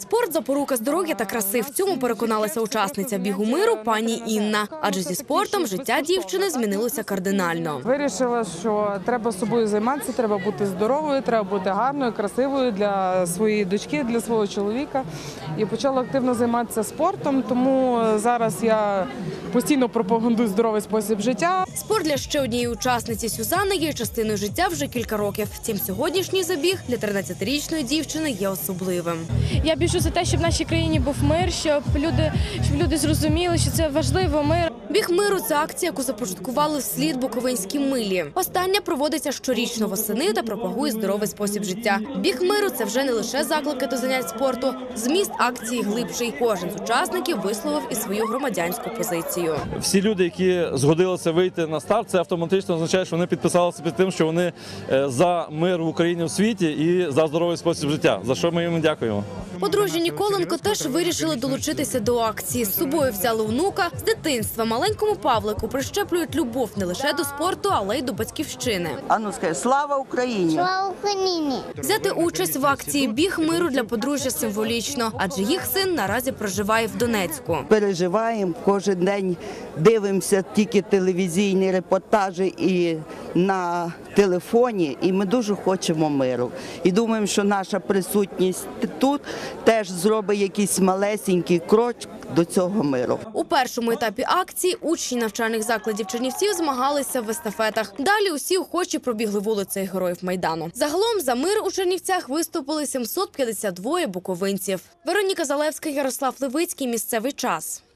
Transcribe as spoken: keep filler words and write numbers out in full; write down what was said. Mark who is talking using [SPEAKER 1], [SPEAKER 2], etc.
[SPEAKER 1] Спорт – запорука здоров'я та краси. В цьому переконалася учасниця бігу миру пані Інна. Адже зі спортом життя дівчини змінилося кардинально.
[SPEAKER 2] Вирішила, що треба собою займатися, треба бути здоровою, треба бути гарною, красивою для своєї дочки, для свого чоловіка. І почала активно займатися спортом, тому зараз я постійно пропагандую здоровий спосіб життя.
[SPEAKER 1] Спорт для ще однієї учасниці Сюзанни є частиною життя вже кілька років. Втім, сьогоднішній забіг для тринадцятирічної дівчини є особливим.
[SPEAKER 3] Я біжу за те, щоб в нашій країні був мир, щоб люди, щоб люди зрозуміли, що це важливо, мир.
[SPEAKER 1] Біг миру – це акція, яку започаткували вслід Буковинській милі. Остання проводиться щорічно восени та пропагує здоровий спосіб життя. Біг миру – це вже не лише заклики до занять спорту. Зміст акції глибший. Кожен з учасників висловив і свою громадянську позицію.
[SPEAKER 4] Всі люди, які згодилися вийти на старт, це автоматично означає, що вони підписалися під тим, що вони за мир в Україні, в світі і за здоровий спосіб життя, за що ми їм дякуємо.
[SPEAKER 1] Подружжя Ніколенко теж вирішили долучитися до акції. З собою взяли внука. З дитинства маленькому Павлику прищеплюють любов не лише до спорту, але й до батьківщини.
[SPEAKER 5] Ану, скажи, слава Україні!
[SPEAKER 6] Слава Україні!
[SPEAKER 1] Взяти участь в акції «Біг миру» для подружжя символічно, адже їх син наразі проживає в Донецьку.
[SPEAKER 5] Переживаємо, кожен день дивимося тільки телевізійні репортажі і на телефоні, і ми дуже хочемо миру. І думаємо, що наша присутність тут теж зробить якийсь малесенький крок до цього миру.
[SPEAKER 1] У першому етапі акції учні навчальних закладів Чернівців змагалися в естафетах. Далі усі охочі пробігли вулицею Героїв Майдану. Загалом за мир у Чернівцях виступили сімсот п'ятдесят два буковинців. Вероніка Залевська, Ярослав Левицький. Місцевий час.